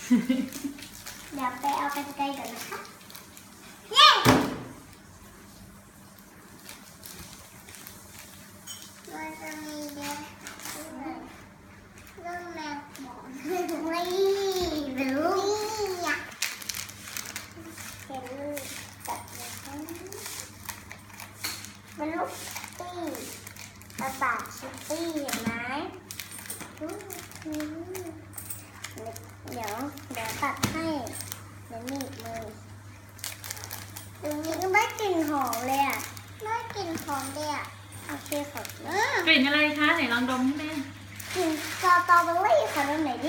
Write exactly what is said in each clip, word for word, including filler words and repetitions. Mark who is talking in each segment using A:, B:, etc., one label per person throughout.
A: เดี๋ยวไปเอากรรไกรก่อนนะคะเย้มันจะมีเยอะเรื่องแมวบอกไม่เป็นลูกเป็นลูกแบบนี้เป็นลูกตี้กระต่ายชิปปี้เห็นไหมเดี๋ยวเดี๋ยวตัดให้เดี๋ยวหนีบมือตรงนี้ก็ได้กลิ่นหอมเลยอ่ะได้กลิ่นหอมเลยอ่ะโอเคขอบคุณ
B: กลิ่นอะไรคะไหนลองดมให้แม่
A: กลิ่นสตรอเบอรี่ขอดมหน่อยดิ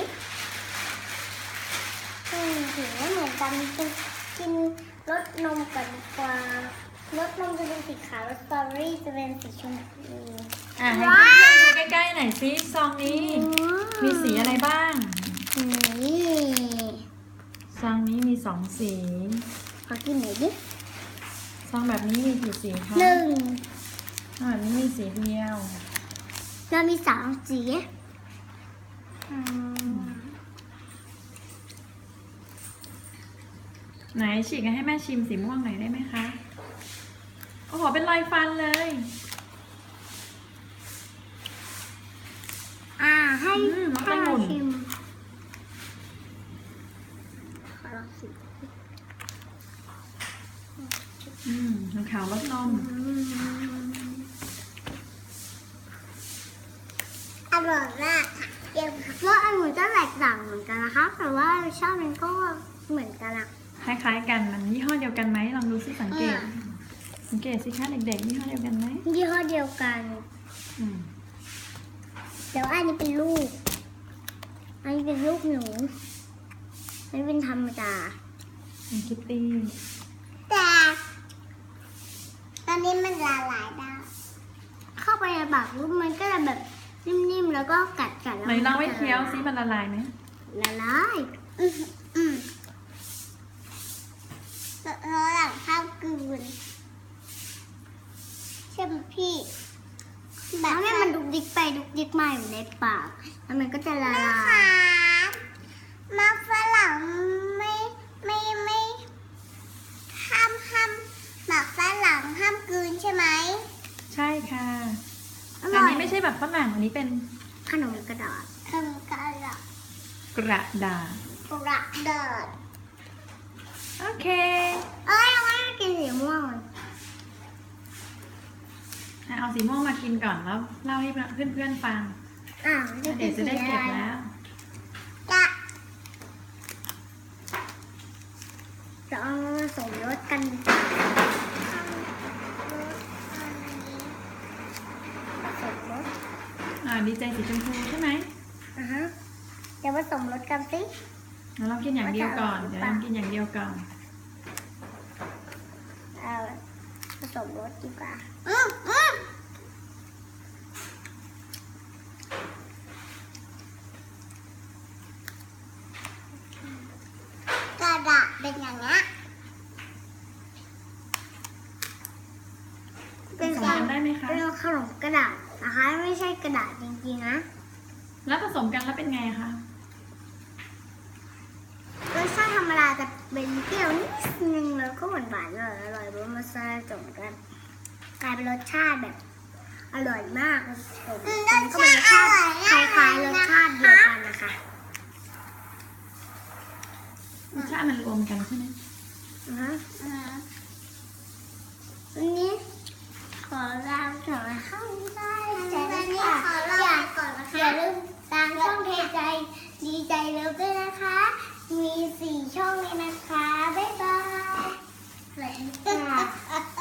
A: อืมถึงไม่เหมือนกันกินกินรสนมก่อนดีกว่ารสนมจะเป็นสีขาวรสสตรอเบอรี่จะเป็นสีชมพู
B: อ่ะให้เพื่อนๆดูใกล้ๆหน่อยซิซองนี้มีสีอะไรบ้าง
A: นี่
B: ซองนี้มีสองสี
A: ขอกินหน่อยดิ
B: ซองแบบนี้มีกี่สีคะ
A: หนึ่ง
B: ซองแบบนี้มีสีเดียว
A: เรามีสองสี
B: ไหนฉีกให้แม่ชิมสีม่วงหน่อยได้ไหมคะโอ้โหเป็นรอยฟันเลย
A: อ่าให้
B: ให้เราชิม
A: ขอลองชิม
B: อืมขาวรสนม
A: อร่อยมากค่ะเดี๋ยวรสองุ่นจะแตกต่างเหมือนกันนะคะแต่ว่ารสชาติมันก็เหมือนกันอะ
B: คล้ายๆกันมันยี่ห้อเดียวกันไหมลองดูสิสังเกตสังเกตสิคะเด็กๆยี่ห้อเดียวกันไหม
A: ยี่ห้อเดียวกันเดี๋ยวอันนี้เป็นลูกอันนี้เป็นลูกหนูอันนี้เป็นธรรมดา
B: เป็นคิตตี้
A: แต่ตอนนี้มันละลายได้เข้าไปในปากลูกมันก็จะแบบนิ่มๆแล้วก็กัดกัดแล้ว
B: ไหนลองไว้เคี้ยวซิมันละลายไหม
A: ละลายอืมอืมแล้วหลังข้าวกลืนใช่ไหมพี่แบบให้มันดุกดิกไปดุกดิกมาอยู่ในปากแล้วมันก็จะละลายมาฝรั่งไม่ไม่ไม่ห้ามห้ามหมักฝรั่งห้ามกลืนใช่ไหม
B: ใช่ค่ะอันนี้ไม่ใช่แบบฝรั่งอันนี้เป็น
A: ขนมกระดาษขนมกระดาษ
B: กระดาษ
A: กระดาษ
B: โอเค
A: เอ้ยเราไม่กินสีม่วง
B: เอาสีม่วงมากินก่อนแล้วเล่าให้เพื่อนๆฟัง
A: อ่า
B: เดี๋ยวจะได้เก็บแล้ว
A: จะจะเอาสมรสกันสมรส
B: อ่าดีใจสีชมพูใช่ไหม
A: อ่าฮะเดี๋ยวผสมรสกันสิ
B: เราลองกินอย่างเดียวก่อนเดี๋ยวลองกินอย่างเดียวก่อน
A: เอาผสมรสดีกว่ากระดาษเป็นอย่างนี้
B: เป็นผสมได้ไหมคะ
A: เป็นขนมกระดาษนะคะไม่ใช่กระดาษจริงๆนะ
B: แล้วผสมกันแล้วเป็นไงคะ
A: รสชาติธรรมดาจะเป็นเปรี้ยวนิดนึงแล้วก็หวานหวานอร่อยอร่อยเพราะมันผสมกันกลายเป็นรสชาติแบบอร่อยมากผสมกันก็เป็นรสชาติคล้ายๆรสชาติเดียวกันนะคะ
B: รสชาติมันรวมกันใช่ไหม
A: อือฮะวันนี้ขอลาไปก่อนนะคะใจนะคะอย่าก่อนนะคะอย่าลืมตามช่องเทใจดีใจเลิฟด้วยนะคะมีสี่ช่องเลยนะคะบ๊ายบายสวัสดีค่ะ